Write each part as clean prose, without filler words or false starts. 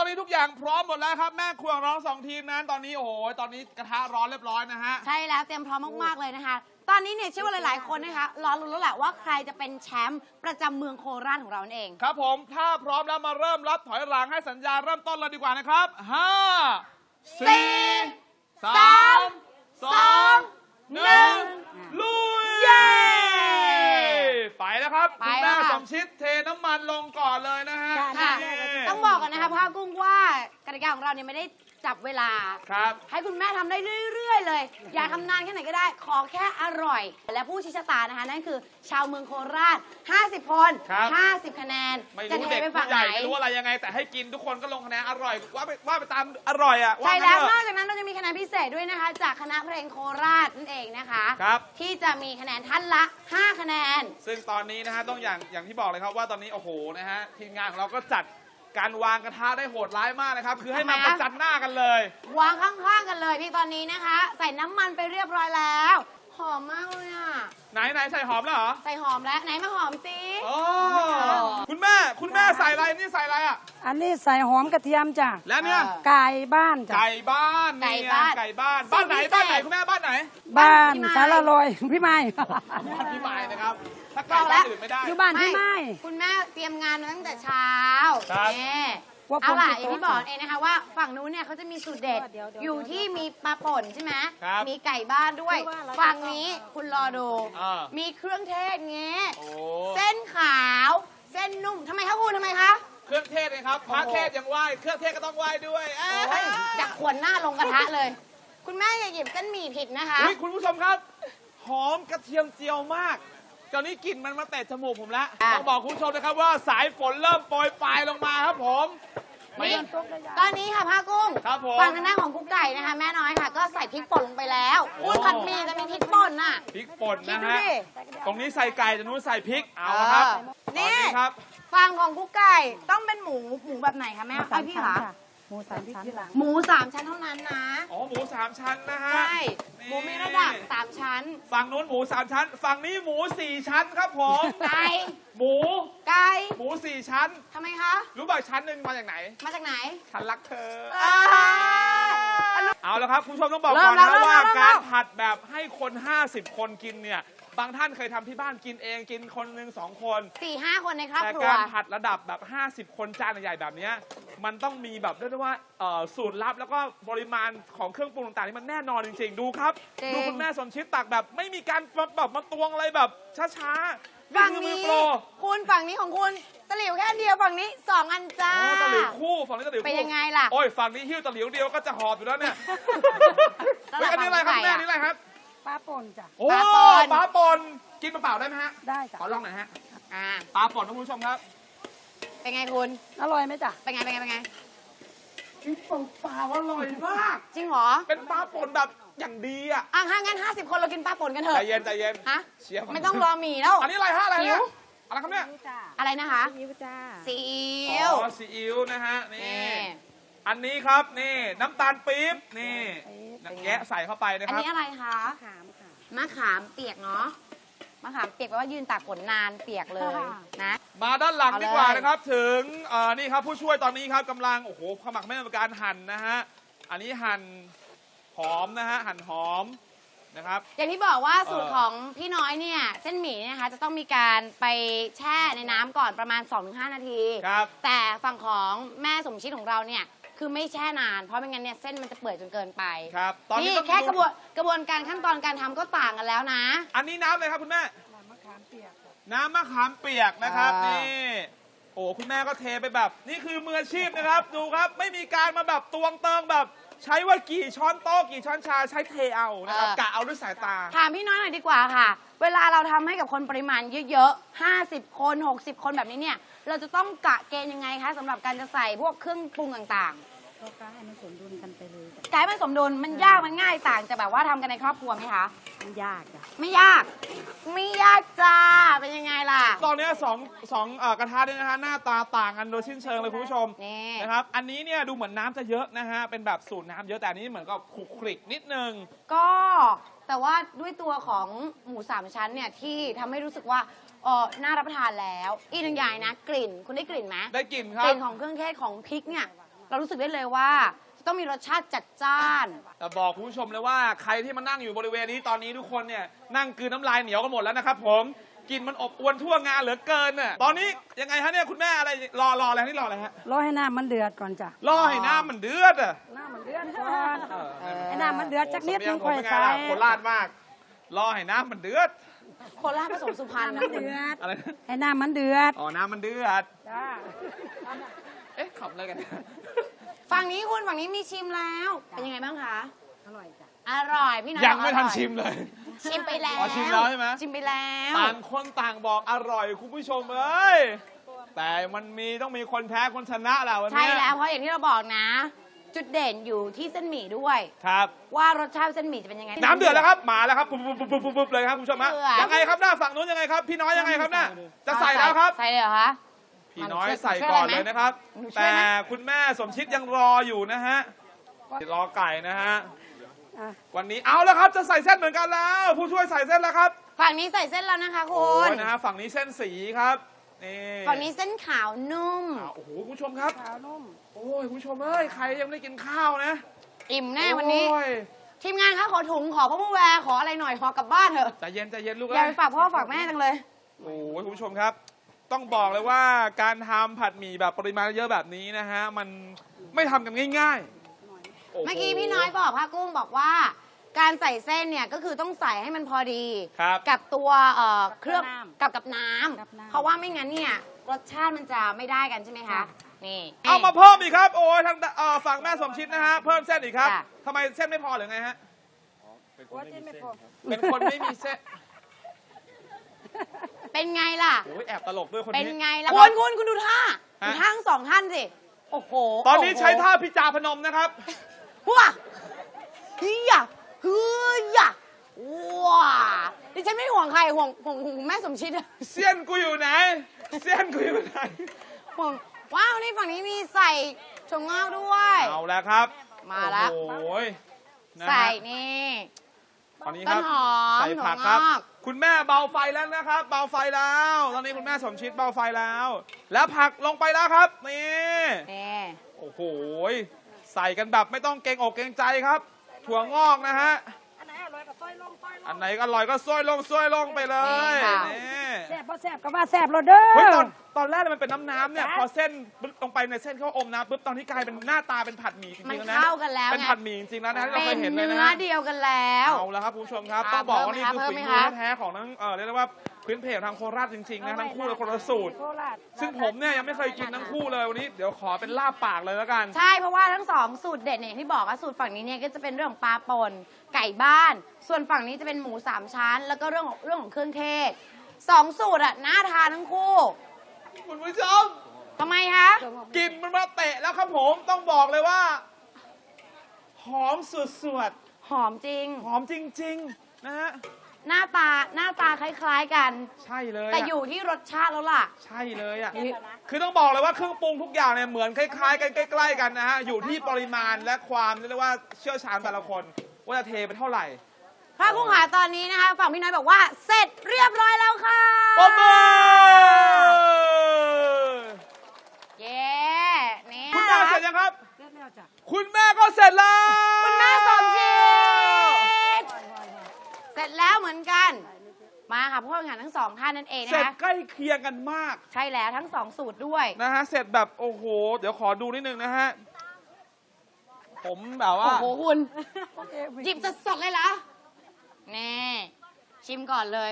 นี้ทุกอย่างพร้อมหมดแล้วครับแม่ครัวของเรา2 ทีมนั้นตอนนี้โอ้โหตอนนี้กระทะร้อนเรียบร้อยนะฮะใช่แล้วเตรียมพร้อมมากๆเลยนะคะตอนนี้เนี่ยเชื่อว่าหลายๆคนนะคะรอลุ้นแล้วแหละว่าใครจะเป็นแชมป์ประจำเมืองโคราชของเรานั่นเองครับผมถ้าพร้อมแล้วมาเริ่มรับถอยหลังให้สัญญาณเริ่มต้นเลยดีกว่านะครับ5 4 3 2 1ลุยเย้ไปแล้วครับคุณแม่สมชิดเทน้ำมันลงก่อนเลยนะฮะต้องบอกกันนะคะพ่อกุ้งว่ากติกาของเราเนี่ยไม่ได้จับเวลาครับให้คุณแม่ทำได้เรื่อยๆเลยอยากทำนานแค่ไหนก็ได้ขอแค่อร่อยและผู้ชี้ชะตานะคะนั่นคือชาวเมืองโคราช50 คน50 คะแนนจะเทไปฝั่งไหนไม่รู้อะไรยังไงแต่ให้กินทุกคนก็ลงคะแนนอร่อยว่าไปตามอร่อยอ่ะใช่แล้วนอกจากนั้นเราจะมีคะแนนพิเศษด้วยนะคะจากคณะเพลงโคราชนั่นเองนะคะที่จะมีคะแนนท่านละ5 คะแนนซึ่งตอนนี้นะฮะต้องอย่างที่บอกเลยครับว่าตอนนี้โอ้โหนะฮะทีมงานของเราก็จัดการวางกระทะได้โหดร้ายมากนะครับคือให้มาประจันหน้ากันเลยวางข้างๆกันเลยพี่ตอนนี้นะคะใส่น้ำมันไปเรียบร้อยแล้วหอมมากเลยอ่ะไหนใส่หอมแล้วเหรอใส่หอมแล้วไหนมาหอมสิคุณแม่ใส่อะไรนี่ใส่อะไรอ่ะอันนี้ใส่หอมกระเทียมจ้ะแล้วเนี่ยไก่บ้านจ้ะไก่บ้านบ้านไหนคุณแม่บ้านไหนบ้านสารลอยพี่ไม้บ้านพี่ไม้นะครับถ้าไก่บ้านอื่นไม่ได้อยู่บ้านพี่ไม้คุณแม่เตรียมงานมาตั้งแต่เช้าว่าเอาล่ะอย่างที่บอกเองนะคะว่าฝั่งนู้นเนี่ยเขาจะมีสูตรเด็ดอยู่ที่มีปลาป่นใช่ไหมมีไก่บ้านด้วยฝั่งนี้คุณรอดูมีเครื่องเทศเงี้ยเส้นขาวเส้นนุ่มทำไมคะคุณทำไมคะเครื่องเทศเลยครับพระเทศยังไหว้เครื่องเทศก็ต้องไหว้ด้วยจักขวนหน้าลงกระทะเลย คุณแม่อย่าหยิบเส้นหมี่ผิดนะคะคุณผู้ชมครับหอมกระเทียมเจียวมากตอนนี้กลิ่นมันมาเตะจมูกผมแล้วต้องบอกคุณผู้ชมนะครับว่าสายฝนเริ่มโปรยปลายลงมาครับผมตอนนี้ค่ะผ้ากุ้งฝั่งทางด้านของกุ๊กไก่นะคะแม่น้อยค่ะก็ใส่พริกป่นลงไปแล้วอุ้ยผัดหมี่จะมีพริกป่นน่ะพริกป่นนะฮะตรงนี้ใส่ไก่ตรงนู้นใส่พริกเอาครับนี่ครับฝั่งของกุ๊กไก่ต้องเป็นหมูแบบไหนคะแม่ไอพี่คะหมู3 ชั้นหมู3 ชั้นเท่านั้นนะอ๋อหมู3 ชั้นนะฮะใช่หมูมีระดับ3 ชั้นฝั่งนู้นหมู3 ชั้นฝั่งนี้หมู4 ชั้นครับผมไก่หมูไก่หมู4 ชั้นทำไมคะรู้ป่ะชั้นหนึ่งมาจากไหนฉันรักเธอเอาแล้วครับคุณผู้ชมต้องบอกก่อนนะว่าการผัดแบบให้คน50 คนกินเนี่ยบางท่านเคยทำที่บ้านกินเองกินคนหนึ่ง2 คน 4-5 คนในครอบครัวแต่การผัดระดับแบบ50 คนจานใหญ่แบบนี้มันต้องมีแบบเรียกได้ว่าสูตรลับแล้วก็ปริมาณของเครื่องปรุงต่างๆนี่มันแน่นอนจริงๆดูครับดูคุณแม่สมชิดตักแบบไม่มีการแบบมาตวงอะไรแบบช้าๆฝั่งนี้คุณฝั่งนี้ของคุณตะหลิวแค่เดียวฝั่งนี้2 อันจ้าตะหลิวคู่ฝั่งนี้ตะหลิวคู่เป็นยังไงล่ะโอ้ยฝั่งนี้หิ้วตะหลิวเดียวก็จะหอบอยู่แล้วเนี่ยอันนี้อะไรครับแม่นี่อะไรครับปลาป่นจ้ะโอ้ปลาป่นกินเปล่าได้ไหมฮะได้จ้ะขอลองหน่อยฮะปลาป่นท่านผู้ชมครับเป็นไงคุณอร่อยไหมจ๊ะเป็นไงกินเปล่าอร่อยมากจริงเหรอเป็นปลาป่นแบบอย่างดีอ่ะงั้น50 คนเรากินปลาป่นกันเถอะใจเย็นฮะไม่ต้องรอหมี่แล้วอันนี้อะไรฮะอะไรเนี่ยอะไรครับเนี่ยอะไรนะคะซีอิ๊วจ้าซีอิ๊วซีอิ๊วนะฮะนี่อันนี้ครับนี่น้ำตาลปี๊บนี่แกะใส่เข้าไปนะครับอันนี้อะไรคะมะขามเปียกเนาะมะขามเปียกแปลว่ายืนตากฝนนานเปียกเลยนะมาด้านหลังดีกว่านะครับถึงนี่ครับผู้ช่วยตอนนี้ครับกำลังโอ้โหขมักไม่เป็นการหั่นนะฮะอันนี้หั่นหอมนะฮะหั่นหอมนะครับอย่างที่บอกว่าสูตรของพี่น้อยเนี่ยเส้นหมี่เนี่ยนะคะจะต้องมีการไปแช่ในน้ำก่อนประมาณ 2-5 นาทีแต่ฝั่งของแม่สมชิดของเราเนี่ยคือไม่แช่นานเพราะไม่งั้นเนี่ยเส้นมันจะเปื่อยจนเกินไปครับตอนนี้แค่กระบวนการขั้นตอนการทำก็ต่างกันแล้วนะอันนี้น้ำเลยครับคุณแม่น้ำมะขามเปียกนะครับนี่โอ้คุณแม่ก็เทไปแบบนี่คือมืออาชีพนะครับดูครับไม่มีการมาแบบตวงเติงแบบใช้ว่ากี่ช้อนโต๊ะกี่ช้อนชาใช้เทเอานะครับกะเอาด้วยสายตาถามพี่น้อยหน่อยดีกว่าค่ะเวลาเราทำให้กับคนปริมาณเยอะๆ50 คน60 คนแบบนี้เนี่ยเราจะต้องกะเกณฑ์ยังไงคะสำหรับการจะใส่พวกเครื่องปรุงต่างๆก็ให้มันสมดุลกันไปเลยกายมันสมดุลมันยากมันง่ายต่างจากแบบว่าทำกันในครอบครัวไหมคะมันยากจ้ะไม่ยากจ้าเป็นยังไงล่ะตอนนี้สองกระทะเนี่ยนะฮะหน้าตาต่างกันโดยสิ้นเชิงเลยคุณผู้ชมนะครับอันนี้เนี่ยดูเหมือนน้ำจะเยอะนะฮะเป็นแบบสูตรน้ำเยอะแต่อันนี้เหมือนกับคลุกคลิกนิดนึงก็แต่ว่าด้วยตัวของหมู3 ชั้นเนี่ยที่ทำให้รู้สึกว่าน่ารับประทานแล้วอีกหนึ่งอย่างนะกลิ่นคุณได้กลิ่นไหมได้กลิ่นครับกลิ่นของเครื่องเทศของพริกเนี่ยเรารู้สึกได้เลยว่าต้องมีรสชาติจัดจ้านแต่บอกคุณผู้ชมเลยว่าใครที่มานั่งอยู่บริเวณนี้ตอนนี้ทุกคนเนี่ยนั่งกลืนน้ำลายเหนียวกันหมดแล้วนะครับผมกลินมันอบอวนทั่วงานเหลือเกินน่ะตอนนี้ยังไงฮะเนี่ยคุณแม่อะไรรออะไรนี่รออะไรฮะรอให้น้ำมันเดือดก่อนจ้ะรอให้น้ำมันเดือดอ่ะน้ำมันเดือดก่อนให้น้ำมันเดือดจักนิดนึงโอ้ค่อยสำเนีงผมเป็นไงใส่ล่ะโคราชมากรอให้น้ำมันเดือดโคราชผสมสุพรรณนะน้ำมันคุณเดือดอะไรนะให้น้ำมันเดือดอ๋อน้ำมันเดือดจ้าเอ๊ะขำอะไรกันฝั่งนี้คุณฝั่งนี้มีชิมแล้ว เป็นยังไงบ้างคะอร่อยจ้ะอร่อยพี่น้อยยังบอกไม่อทันร่อยชิมเลยชิมไปแล้วอ๋อชิมแล้วใช่ไหมชิมไปแล้วต่างคนต่างบอกอร่อยคุณผู้ชมเอ้ยแต่มันต้องมีคนแพ้คนชนะแหละวันใช่นี้แล้วเพราะอย่างที่เราบอกนะ จุดเด่นอยู่ที่เส้นหมี่ด้วยครับว่ารสชาติเส้นหมี่จะเป็นยังไงน้ำเดือดแล้วครับมาแล้วครับปุ๊บปุ๊บปุ๊บปุ๊บปุ๊บเลยครับคุณผู้ชมฮะเดือดยังไงครับหน้าฝั่งนู้นยังไงครับพี่น้อยยังไงครับหน้าจะใส่แล้วครับใส่เลยเหรอคะพี่น้อยใส่ก่อนเลยนะครับหนูช่วยไหมแต่คุณแม่สมชิดยังรออยู่นะฮะรอไก่นะฮะอ่ะวันนี้เอาแล้วครับจะใส่เส้นเหมือนกันแล้ว ผู้ช่วยใส่เส้นแล้วครับฝั่งนี้ใส่เส้นแล้วนะคะคุโอ้ณยนะฮะฝั่งนี้เส้นสีครับนี่ฝั่งนี้เส้นขาวนุ่มโอ้โหคุณผู้ชมครับขาวนุ่มโอ้ยคุณผู้ชมเอ้ยใครยังไม่ได้กินข้าวนะอิ่มแน่วันนี้โอ้ยทีมงานคะขอถุงขอพ่อผู้แวร์ขออะไรหน่อยขอกลับบ้านเถอะใจเย็นใจเย็นลูกอย่าเอ้ไปยฝากพ่อฝากแม่จังเลยโอ้ยคุณผู้ชมครับ ต้องบอกเลยว่าการทำผัดหมี่แบบปริมาณเยอะแบบนี้นะฮะมันไม่ทำกันง่ายๆโโหเมื่อกี้พี่น้อยบอกพระกุ้งบอกว่า การใส่เส้นเนี่ยก็คือต้องใส่ให้มันพอดีครับกับตัวเครื่องกับน้ำกับน้กับน้ำำเพราะว่าไม่งั้นเนี่ยรสชาติมันจะไม่ได้กันใช่ไหมคะนี่เอามาเพิ่มอีกครับ โอ้ยทางฝั่งแม่สมชิดนะฮะเพิ่มเส้นอีกครับจ้ะทำไมเส้นไม่พอหรือไงฮะว่าจะไม่พอเป็นคนไม่มีเส้นเป็นไงล่ะโอ้ยแอบตลกด้วยคนเป็นนี้ไงล่ะครับคุณดูท่าฮะดูท่าทั้งสองท่านสิโอ้โหตอนนี้โโหใช้ท่าพิจาพนมนะครับว้าฮียะฮือยะว้าดิฉันไม่ห่วงใครห่วงแม่สมชิดอะเสี้ยนกูอยู่ไหน เสี้ยนกูอยู่ไหนห่วงว้าวนี่ฝั่งนี้มีใส่ถั่วงอกด้วยเอาแล้วครับมาแล้วโอ้ยนะฮะใส่นี่ตอนนี้ครับต้นหอมใส่ผักครับถั่วงอกคุณแม่เบาไฟแล้วนะครับ เบาไฟแล้ว ตอนนี้คุณแม่สมชิดเบาไฟแล้ว แล้วผักลงไปแล้วครับ นี่นี่โอ้โห ใส่กันแบบไม่ต้องเกรงอกเกรงใจครับ ถั่วงอกนะฮะอันไหนอร่อยก็ต้อยลงต้อยลงอันไหนก็อร่อยก็ซ้อยลงไปเลยนี่ค่ะนี่แซ่บพอแซ่บก็ว่าแซ่บเราเด้อเฮ้ยตอนแรกมันเป็นน้ำเนี่ย พอเส้นปุ๊บลงไปในเส้นเขาอมน้ำปุ๊บตอนนี้กลายเป็นหน้าตาเป็นผัดหมี่จริงๆมันแล้วนะเข้ากันแล้วเป็นไงผัดหมี่จริงๆแล้วนะที่เราเป็เคน ยเห็นเลยเนื้นะอฮะเดียวกันแล้วเอาแล้วครับคุณผู้ชมครับอ่าต้องบอกว่านี่คือเพิ่มฝีไหมมือคะแท้ๆของทั้งเรียกได้ว่าพื้นเพทางโคราชจริงๆนะทั้งคู่เลยคนละสูตรโคราชซึ่งผมเนี่ยยังไม่เคยกินทั้งคู่เลยวันนี้เดี๋ยวขอเป็นลาบปากเลยแล้วกันใช่เพราะว่าทั้งสองสูตรเด็ดเนี่ยอย่างที่บอกว่าสูตรฝั่งนี้เนี่ยก็จะเป็นเรื่องของปลาป่นไก่บ้าน ส่วนฝั่งนี้จะเป็นหมูสามชั้น แล้วก็เรื่องของเครื่องเทศสองสูตรอะน่าทานทั้งคู่คุณผู้ชมทำไมคะกลิ่นมันมาเตะแล้วครับผมต้องบอกเลยว่า หอมสุดหอมจริงๆหอมจริงๆนะฮะหน้าตาคล้ายๆกันใช่เลยแต่อยู่ที่รสชาติแล้วล่ะใช่เลยอ่ะคือต้องบอกเลยว่าเครื่องปรุงทุกอย่างเนี่ยเหมือนคล้ายๆกันใกล้ๆกันนะฮะอยู่ที่ปริมาณและความเรียกว่าเชี่ยวชาญแต่ละคนว่าจะเทไปเท่าไหร่พระกุ้งหาตอนนี้นะคะฝั่งพี่น้อยบอกว่าเสร็จเรียบร้อยแล้วค่ะปรบมือเย้นี่คุณแม่เสร็จยังครับเสร็จแล้วจ้ะคุณแม่ก็เสร็จแล้วคุณแม่สมจิตเสร็จแล้วเหมือนกัน มาค่ะผู้แข่งขันทั้งสองท่านนั่นเองเสร็นะจคะใกล้เคียงกันมากใช่แล้วทั้งสองสูตรด้วยนะฮะเสร็จแบบโอ้โหเดี๋ยวขอดูนิดนึงนะฮะผมแบบว่าโอ้โหคุณโอเคหยิบสดๆเลยเหรอแน่ชิมก่อนเลย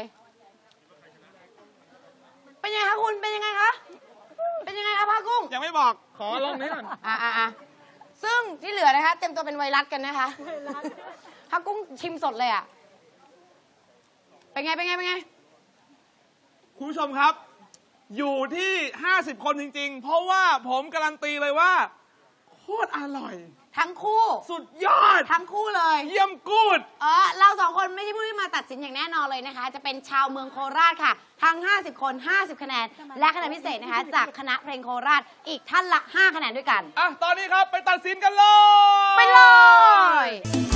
เป็นยังไงคะคุณเป็นยังไงคะเป็นยังไงคะพากุ้งยังไม่บอกขอลองนี้ก่อนอ่ะซึ่งที่เหลือนะคะ เต็มตัวเป็นไวรัสกันนะคะพากุ้งชิมสดเลยอ่ะเป็นไงคุณผู้ชมครับ อยู่ที่ 50 คนจริงๆ เพราะว่าผมการันตีเลยว่าโคตรอร่อยทั้งคู่สุดยอดทั้งคู่เลยเยี่ยมกูดเราสองคนไม่ใช่ผู้ที่มาตัดสินอย่างแน่นอนเลยนะคะ จะเป็นชาวเมืองโคราชค่ะ ทั้ง 50 คน 50 คะแนน และคะแนนพิเศษนะคะ จากคณะเพลงโคราชอีกท่านละ 5 คะแนนด้วยกันอ่ะ ตอนนี้ครับไปตัดสินกันเลยไปเลย